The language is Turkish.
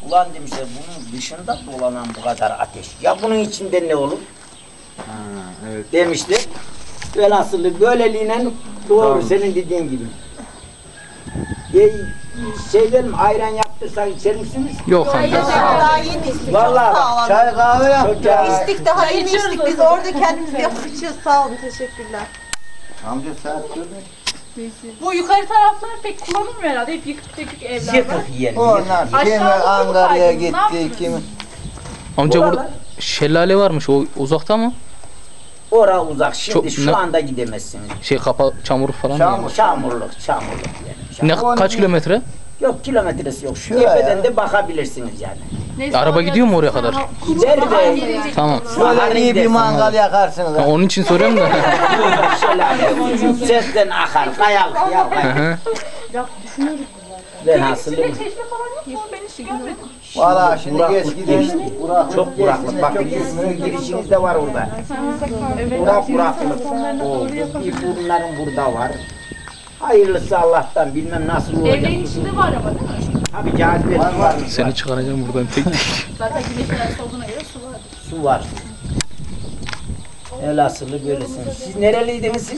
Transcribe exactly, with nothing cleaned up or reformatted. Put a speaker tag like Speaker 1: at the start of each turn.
Speaker 1: Ulan demişler bunun dışında dolanan bu kadar ateş. Ya bunun içinde ne olur?
Speaker 2: Ha, evet.
Speaker 1: Demişler. Velhasılı böyleliğine doğru
Speaker 2: Tamam.
Speaker 1: senin dediğin gibi. E, şey dedim ayran yaptırsak içer misiniz?
Speaker 3: Yok amca.
Speaker 4: Daha yeni içtik.
Speaker 1: Vallahi
Speaker 4: Çok sağ olun.
Speaker 2: Çay kahve
Speaker 1: Çok
Speaker 2: yap.
Speaker 1: ya.
Speaker 4: İçtik daha yeni içtik. Biz orada kendimiz yapacağız. Sağ olun. Teşekkürler.
Speaker 2: Amca saat gördün.
Speaker 5: Bu yukarı taraflar pek kullanılmıyor herhalde. Hep yıkık dökük evler var.
Speaker 1: Yıkık yiyelim.
Speaker 2: Onlar kimi
Speaker 5: Aşağıda
Speaker 2: Ankara'ya
Speaker 5: bulsaydınız, ne
Speaker 2: gitti,
Speaker 5: yaptınız?
Speaker 2: kimi...
Speaker 3: Amca
Speaker 1: Buralar-
Speaker 3: burada şelale varmış. O uzakta mı?
Speaker 1: Ora uzak. Şimdi
Speaker 3: Çok-
Speaker 1: şu
Speaker 3: ne-
Speaker 1: anda gidemezsiniz.
Speaker 3: Şey kapa çamur falan
Speaker 2: Çamur.
Speaker 3: mı?
Speaker 1: Çamurluk, çamurluk yani.
Speaker 3: Ne
Speaker 1: Çamur.
Speaker 3: kaç kilometre?
Speaker 1: Yok kilometresi yok. Şu
Speaker 2: Şuraya.
Speaker 1: tepeden de bakabilirsiniz yani.
Speaker 5: Neyse,
Speaker 3: Araba
Speaker 5: oraya-
Speaker 3: gidiyor mu oraya kadar?
Speaker 1: Gider de
Speaker 5: Gelecek.
Speaker 3: Tamam.
Speaker 2: Böyle iyi bir mangal yakarsınız.
Speaker 3: Ha, onun için soruyorum da.
Speaker 1: şelale, sesten akar, kayalık ya.
Speaker 3: Hı hı.
Speaker 1: Ben hasılı
Speaker 5: İçinde çeşme falan yok mu? Ben hiç görmedim.
Speaker 2: Valla şimdi
Speaker 1: Buraklık
Speaker 2: geç gidiyor.
Speaker 1: geçti. Çok buraklık. Bakın sizin girişiniz de var orada. Burak buraklık. O, bir bunların burada var. Hayırlısı Allah'tan bilmem nasıl olacak.
Speaker 5: Evlerin içinde var ama değil mi?
Speaker 1: Tabii cazibesi var.
Speaker 3: Seni çıkaracağım buradan tek tek.
Speaker 5: Zaten güneş enerjisi olduğuna göre su var.
Speaker 1: Su var. Elhasılı böylesiniz. Siz nereliydiniz siz?